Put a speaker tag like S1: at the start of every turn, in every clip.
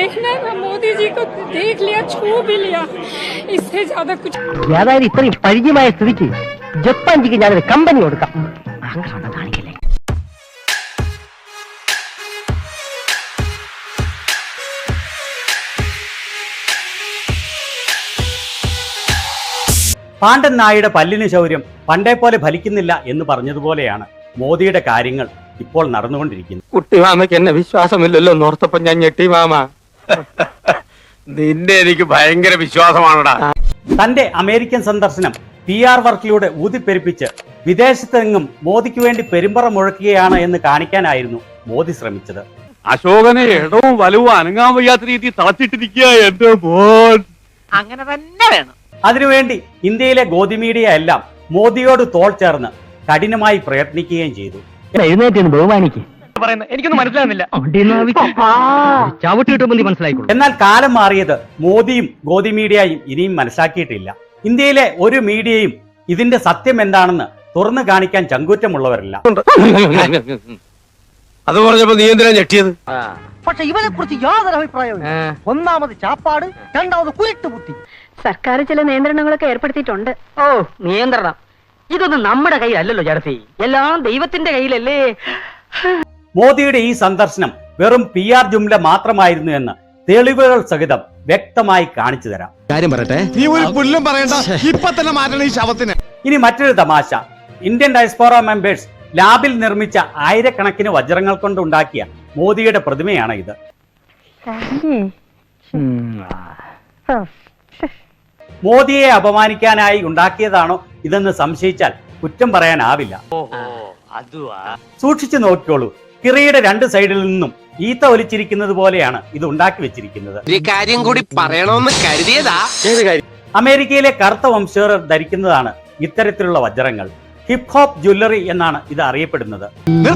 S1: देखना है, मोदी जी को देख लिया, छू भी लिया, इससे ज्यादा कुछ.
S2: അതായത് ഇത്രയും പരിചയമായ സ്ഥിതിക്ക് ജപ്പാൻ ജിക്ക് ഞാനൊരു കമ്പനി കൊടുക്കാം. അങ്ങനെ കാണിക്കല്ലേ.
S3: പാണ്ഡൻ നായുടെ പല്ലിന് ശൗര്യം പണ്ടേ പോലെ ഫലിക്കുന്നില്ല എന്ന് പറഞ്ഞതുപോലെയാണ് മോദിയുടെ കാര്യങ്ങൾ ഇപ്പോൾ നടന്നുകൊണ്ടിരിക്കുന്നത്.
S4: കുട്ടിമാമയ്ക്ക് എന്നെ വിശ്വാസമില്ലല്ലോ നോർത്തപ്പം ഞാൻ ഞെട്ടി മാമ.
S5: നിന്റെ എനിക്ക് ഭയങ്കര വിശ്വാസമാണടാ.
S3: തന്റെ അമേരിക്കൻ സന്ദർശനം PR വർക്കിലൂടെ ഊതിപ്പെരുപ്പിച്ച് വിദേശത്തെങ്ങും മോദിക്ക് വേണ്ടി പെരുമ്പറ മുഴക്കുകയാണ് എന്ന് കാണിക്കാനായിരുന്നു മോദി ശ്രമിച്ചത്.
S5: അശോകനെ ഇടവും വലവും അനങ്ങാൻ വയ്യാത്ത രീതി തളച്ചിട്ടിരിക്കുക എന്റെ മോൻ.
S2: അങ്ങനെ തന്നെ വേണം.
S3: അതിനുവേണ്ടി ഇന്ത്യയിലെ ഗോദി മീഡിയ എല്ലാം മോദിയോട് തോൾ ചേർന്ന് കഠിനമായി പ്രയത്നിക്കുകയും ചെയ്തു.
S2: എഴുന്നേറ്റ് ബഹുമാനിക്ക്.
S4: എനിക്കൊന്നും മനസ്സിലാകുന്നില്ല.
S2: ചവിട്ടി കിട്ടുമ്പോൾ മനസ്സിലായിക്കോളൂ.
S3: എന്നാൽ കാലം മാറിയത് മോദിയും ഗോദി മീഡിയയും ഇനിയും മനസ്സിലാക്കിയിട്ടില്ല. ഇന്ത്യയിലെ ഒരു മീഡിയയും ഇതിന്റെ സത്യം എന്താണെന്ന് തുറന്നു കാണിക്കാൻ ചങ്കൂറ്റമുള്ളവരല്ല.
S5: അത് പറഞ്ഞപ്പോ നീ എന്തിനാ ഞെട്ടിയത്?
S2: പക്ഷെ ഇവനെ കുറിച്ച് യാതൊരു അഭിപ്രായവും. ഒന്നാമത് ചാപ്പാട്, രണ്ടാമത് കുരുട്ട് ബുദ്ധി.
S1: സർക്കാർ ചില നിയന്ത്രണങ്ങളൊക്കെ ഏർപ്പെടുത്തിയിട്ടുണ്ട്.
S2: ഓ നിയന്ത്രണം, ഇതൊന്നും നമ്മുടെ കയ്യിലല്ലല്ലോ ചേർത്തി, എല്ലാം ദൈവത്തിന്റെ കയ്യിലല്ലേ.
S3: മോദിയുടെ ഈ സന്ദർശനം വെറും PR ജുംല മാത്രമായിരുന്നു എന്ന് തെളിവുകൾ സഹിതം വ്യക്തമായി കാണിച്ചു തരാം.
S5: കാര്യം പറയട്ടെ, നീ ഒരു പുല്ലും പറയണ്ട, ഇപ്പൊ തന്നെ മാറ്റണം ഈ ശവത്തിന്.
S3: ഇനി മറ്റൊരു തമാശ. ഇന്ത്യൻ ഡയസ്പോറ മെമ്പേഴ്സ് ലാബിൽ നിർമ്മിച്ച ആയിരക്കണക്കിന് വജ്രങ്ങൾ കൊണ്ടുണ്ടാക്കിയ മോദിയുടെ പ്രതിമയാണ് ഇത്. മോദിയെ അപമാനിക്കാനായി ഉണ്ടാക്കിയതാണോ ഇതെന്ന് സംശയിച്ചാൽ കുറ്റം പറയാനാവില്ല. സൂക്ഷിച്ചു നോക്കിക്കോളൂ, കിറിയുടെ 2 സൈഡിൽ നിന്നും ഈത്ത ഒലിച്ചിരിക്കുന്നത് പോലെയാണ് ഇത് ഉണ്ടാക്കി വെച്ചിരിക്കുന്നത്.
S4: ഒരു കാര്യം കൂടി പറയണമെന്ന് കരുതിയതാ.
S3: അമേരിക്കയിലെ കറുത്ത വംശജർ ധരിക്കുന്നതാണ് ഇത്തരത്തിലുള്ള വജ്രങ്ങൾ. ഹിപ് ഹോപ്പ് ജ്വല്ലറി എന്നാണ് ഇത് അറിയപ്പെടുന്നത്.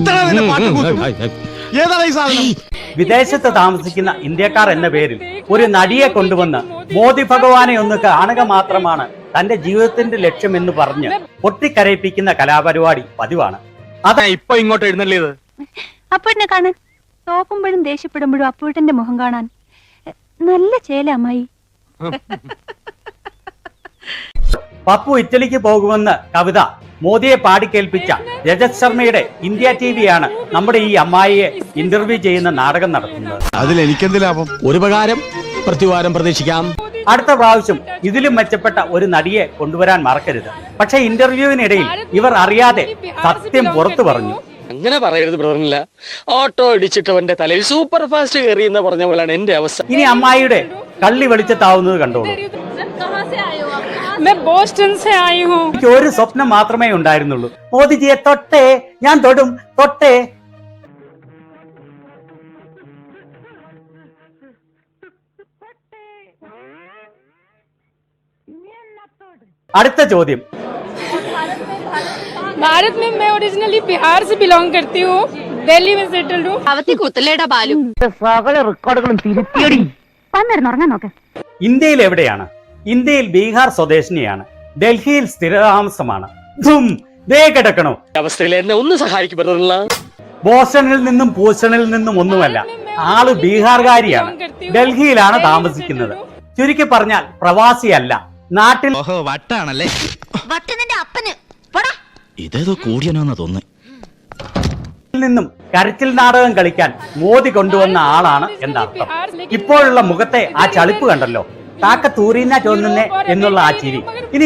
S3: വിദേശത്ത് താമസിക്കുന്ന ഇന്ത്യക്കാർ എന്ന പേരിൽ ഒരു നടിയെ കൊണ്ടുവന്ന് മോദി ഭഗവാനെ ഒന്ന് കാണുക മാത്രമാണ് തന്റെ ജീവിതത്തിന്റെ ലക്ഷ്യം എന്ന് പറഞ്ഞ് പൊട്ടിക്കരയിപ്പിക്കുന്ന കലാപരിപാടി പതിവാണ്.
S5: അതാ ഇപ്പൊ ഇങ്ങോട്ട് എഴുന്നള്ളിയത്.
S1: അപ്പൂട്ടിനെ കാണാൻ, തോക്കുമ്പോഴും ദേഷ്യപ്പെടുമ്പോഴും അപ്പൂട്ടന്റെ മുഖം കാണാൻ നല്ല ചേല അമ്മായി.
S3: പപ്പു ഇറ്റലിക്ക് പോകുമെന്ന് കവിത മോദിയെ പാടിക്കേൽപ്പിച്ച രജത് ശർമ്മയുടെ ഇന്ത്യ TV ആണ് നമ്മുടെ ഈ അമ്മായിയെ ഇന്റർവ്യൂ ചെയ്യുന്ന നാടകം നടത്തുന്നത്.
S5: അതിൽ എനിക്കെന്ത് ലാഭം? ഒരു ഉപകാരം പ്രതിവാരം പ്രതീക്ഷിക്കാം.
S3: അടുത്ത പ്രാവശ്യം ഇതിലും മെച്ചപ്പെട്ട ഒരു നടിയെ കൊണ്ടുവരാൻ മറക്കരുത്. പക്ഷെ ഇന്റർവ്യൂവിനിടയിൽ ഇവർ അറിയാതെ സത്യം പുറത്തു പറഞ്ഞു.
S4: അങ്ങനെ പറയരുത് ബ്രദറില്ല. ഓട്ടോ ഇടിച്ചിട്ടവന്റെ തലയിൽ സൂപ്പർ ഫാസ്റ്റ് കയറി എന്ന് പറഞ്ഞ പോലാണ് എന്റെ അവസ്ഥ.
S3: ഇനി അമ്മായിയുടെ കള്ളി വെളിച്ചത്താവുന്നത് കണ്ടോളൂ. എനിക്ക് ഒരു സ്വപ്നം മാത്രമേ ഉണ്ടായിരുന്നുള്ളൂ, മോദിജിയെ തൊട്ടേ, ഞാൻ തൊടും, തൊട്ടേ. അടുത്ത ചോദ്യം.
S1: भारत में मैं ओरिजिनली बिहार से बिलोंग करती हूँ, दिल्ली में सेटल्ड हूँ.
S6: അവത്തി കുത്തലേടാ ബാലു.
S2: സകല റെക്കോർഡുകളും തിരുത്തിയടി.
S1: വന്നിരുന്നുറങ്ങാൻ നോക്ക്.
S3: ഇന്ത്യയിൽ എവിടെയാണ്? ഇന്ത്യയിൽ ബീഹാർ സ്വദേശിനിയാണ്, ഡൽഹിയിൽ സ്ഥിരതാമസമാണ്. ദേ കിടക്കണോ
S4: അവസ്ഥയിൽ എന്നെ ഒന്ന് സഹായിക്കും ബ്രദറില്ല.
S3: ബോസ്റ്റണിൽ നിന്നും പൂസ്റ്റണിൽ നിന്നും ഒന്നുമല്ല, ആള് ബീഹാർകാരിയാണ്, ഡൽഹിയിലാണ് താമസിക്കുന്നത്. ചുരുക്കി പറഞ്ഞാൽ പ്രവാസിയല്ല, നാട്ടിൽ
S5: വട്ടാണല്ലേ.
S6: വട്ടനിന്റെ അപ്പന്
S5: ഇതേതോ കൂടിയനോന്ന് തോന്നി.
S3: നിന്നും കരച്ചിൽ നാടകം കളിക്കാൻ മോദി കൊണ്ടുവന്ന ആളാണ് എന്നർത്ഥം. ഇപ്പോഴുള്ള മുഖത്തെ ആ ചളിപ്പ് കണ്ടല്ലോ, കാക്ക തൂറിന തോന്നുന്നേ എന്നുള്ള ആ ചിരി. ഇനി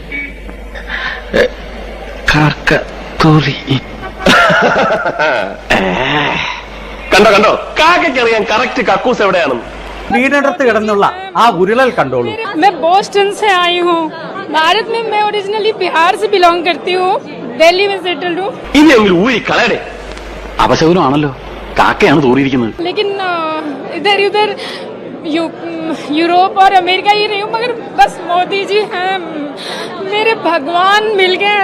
S5: കണ്ടോ കണ്ടോ, കാക്കറിയാൻ കറക്റ്റ് കക്കൂസ് എവിടെയാണ്.
S3: വീടിനടുത്ത് കിടന്നുള്ള ആ ഉരുളൽ കണ്ടോളൂ.
S1: मैं बोस्टन से आई हूँ, भारत में मैं ओरिजिनली बिहार से बिलोंग करती हूँ, दिल्ली में सेटल्ड हूँ.
S5: ഇനി ഒരു ഊരി കളയടേ. അപശകുനമാണല്ലോ, കാക്കയാണ് തൂറിയിരിക്കുന്നത്.
S1: लेकिन इधर उधर यूरोप और अमेरिका ही रही हूँ, मगर बस मोदी जी हैं, मेरे भगवान मिल गए.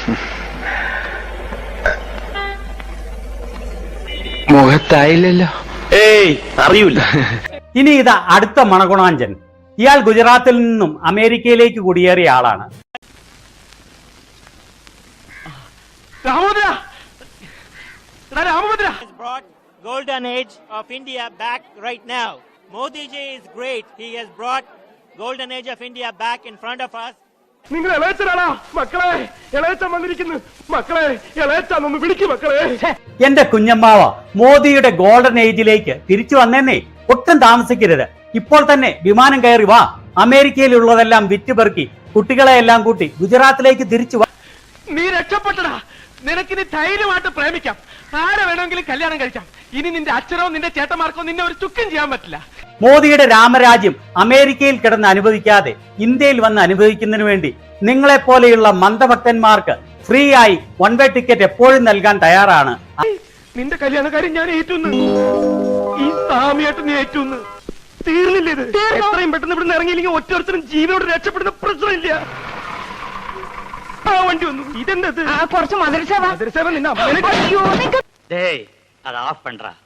S4: മുഖത്തായില്ലല്ലോ.
S5: ഏയ് അറിയൂല.
S3: ഇനി ഇതാ അടുത്ത മണഗുണാഞ്ചൻ. ഇയാൾ ഗുജറാത്തിൽ നിന്നും അമേരിക്കയിലേക്ക് കുടിയേറിയ ആളാണ്.
S7: golden age of India back right now. Modi ji is great. He has brought golden age of India back in front of us.
S5: നിങ്ങൾ ഇളയച്ചനാണോ മക്കളെ? ഇളയച്ചൻ വന്നിരിക്കുന്നു മക്കളെ. ഇളയച്ചാന്നൊന്ന് വിളിക്കും മക്കളെ.
S3: എന്റെ കുഞ്ഞമ്മാവ മോദിയുടെ ഗോൾഡൻ ഏജിലേക്ക് തിരിച്ചു വന്നേന്നേ. ഒട്ടും താമസിക്കരുത്. ഇപ്പോൾ തന്നെ വിമാനം കയറി വാ. അമേരിക്കയിലുള്ളതെല്ലാം വിറ്റുപെറുക്കി കുട്ടികളെ എല്ലാം കൂട്ടി ഗുജറാത്തിലേക്ക് തിരിച്ചു വാ.
S5: നീ രക്ഷപ്പെട്ടടാ. നിനക്കിനി ധൈര്യമായിട്ട് പ്രേമിക്കാം. ആരെ വേണമെങ്കിലും കല്യാണം കഴിക്കാം. ഇനി നിന്റെ അച്ഛനോ നിന്റെ ചേട്ടന്മാർക്കോ നിന്നെ ഒരു ചുക്കും ചെയ്യാൻ പറ്റില്ല.
S3: മോദിയുടെ രാമരാജ്യം അമേരിക്കയിൽ കിടന്ന് അനുഭവിക്കാതെ ഇന്ത്യയിൽ വന്ന് അനുഭവിക്കുന്നതിന് വേണ്ടി നിങ്ങളെപ്പോലെയുള്ള മന്ദഭക്തന്മാർക്ക് ഫ്രീ ആയി വൺ വേ ടിക്കറ്റ് എപ്പോഴും നൽകാൻ തയ്യാറാണ്.
S5: നിന്റെ കല്യാണക്കാരൻ ഞാൻ ഏറ്റുന്ന്. ഈ സാമിയായിട്ട് നീ ഏറ്റുന്ന്. തീർന്നില്ല ഇത്. എത്രയും പെട്ടെന്ന് ഇവിടുന്ന് ഇറങ്ങിയില്ലെങ്കിൽ ഒറ്റ ജീവനോട് രക്ഷപ്പെടുന്ന പ്രശ്നമില്ല. ആ വണ്ടി വന്നു. ഇതെന്തത്?
S2: കുറച്ച് മധുരസേവ
S5: മധുരസേവ നിന്നെ
S3: അത് ഓഫ് പண்றா.